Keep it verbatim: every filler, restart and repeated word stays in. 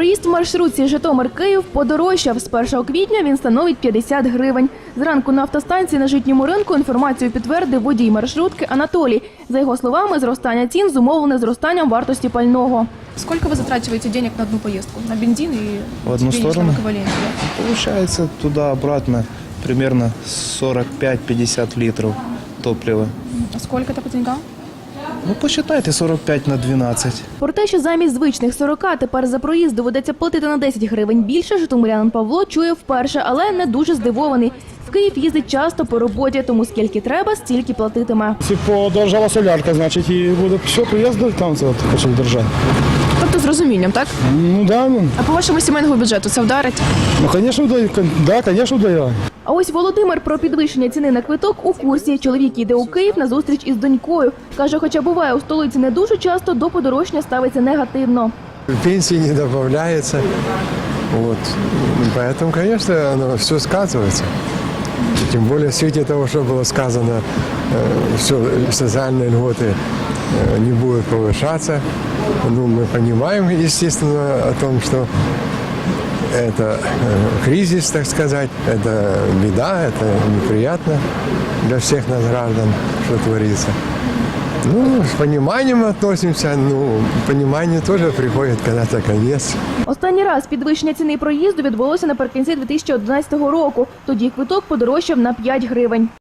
Проїзд в маршрутці Житомир-Київ подорожчав. З першого квітня він становить п'ятдесят гривень. Зранку на автостанції на Житньому ринку інформацію підтвердив водій маршрутки Анатолій. За його словами, зростання цін зумовлене зростанням вартості пального. Сколько вы затрачиваете денег на одну поездку? На бензин и В одну денежном сторону? эквиваленте? Получается туда-обратно примерно сорок пять - пятьдесят литров топлива. А сколько это по деньгам? Ну, посчитайте сорок пять на двенадцать. Про те, що замість звичних сорока тепер за проїзд доведеться платити на десять гривень більше, житомирянин Павло чує вперше, але не дуже здивований. В Київ їздить часто по роботі, тому скільки треба, стільки платитиме. Якщо подорожала солярка, значить і буде все, приїзди там це хочуть держати. Тобто з розумінням, так? Ну да, ну, А по вашому сімейному бюджету це вдарить? ну звісно, вдає, да, звісно, вдає. А ось Володимир про підвищення ціни на квиток у курсі. Чоловік їде у Київ на зустріч із донькою. Каже, хоча буває у столиці не дуже часто, до подорожчання ставиться негативно. Пенсии не добавляется. Вот. Поэтому, конечно, оно все сказывается. Тем более в свете того, что было сказано, э, все, социальные льготы э, не будут повышаться. Ну, мы понимаем, естественно, о том, что это э, кризис, так сказать, это беда, это неприятно для всех нас граждан, что творится. Ну, с пониманием относимся, ну, понимание тоже приходит когда-то конец. Останній раз підвищення ціни проїзду відбулося наприкінці дві тисячі одинадцятого року. Тоді квиток подорожчав на п'ять гривень.